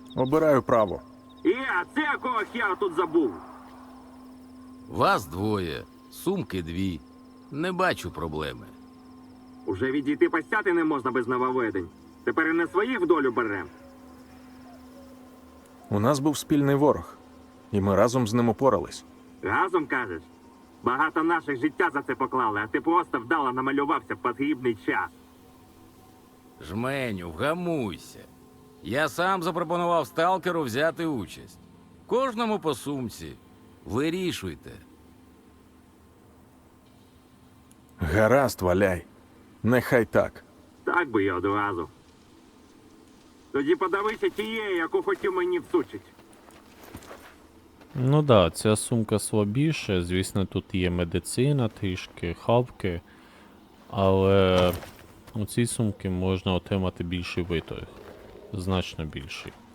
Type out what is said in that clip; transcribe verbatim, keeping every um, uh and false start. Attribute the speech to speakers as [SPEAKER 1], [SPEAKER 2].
[SPEAKER 1] Обираю право.
[SPEAKER 2] І, а це якого хера тут забув?
[SPEAKER 3] Вас двоє, сумки дві. Не бачу проблеми.
[SPEAKER 2] Уже відійти постяти не можна без нововведень. Тепер і не своїх в долю берем.
[SPEAKER 1] У нас був спільний ворог, і ми разом з ним упорались.
[SPEAKER 2] Разом кажеш? Багато наших життя за це поклали, а ти просто вдало намалювався в потрібний час.
[SPEAKER 3] Жменю, вгамуйся. Я сам запропонував сталкеру взяти участь. Кожному по сумці. Вирішуйте.
[SPEAKER 1] Гаразд, валяй. Нехай так.
[SPEAKER 2] Так би й одразу. Тоді подавися тією, яку хотів мені всучить.
[SPEAKER 4] Ну да, ця сумка слабіша, звісно, тут є медицина трішки, хавки, але у цій сумці можна отримати більший виторг. Значно більший.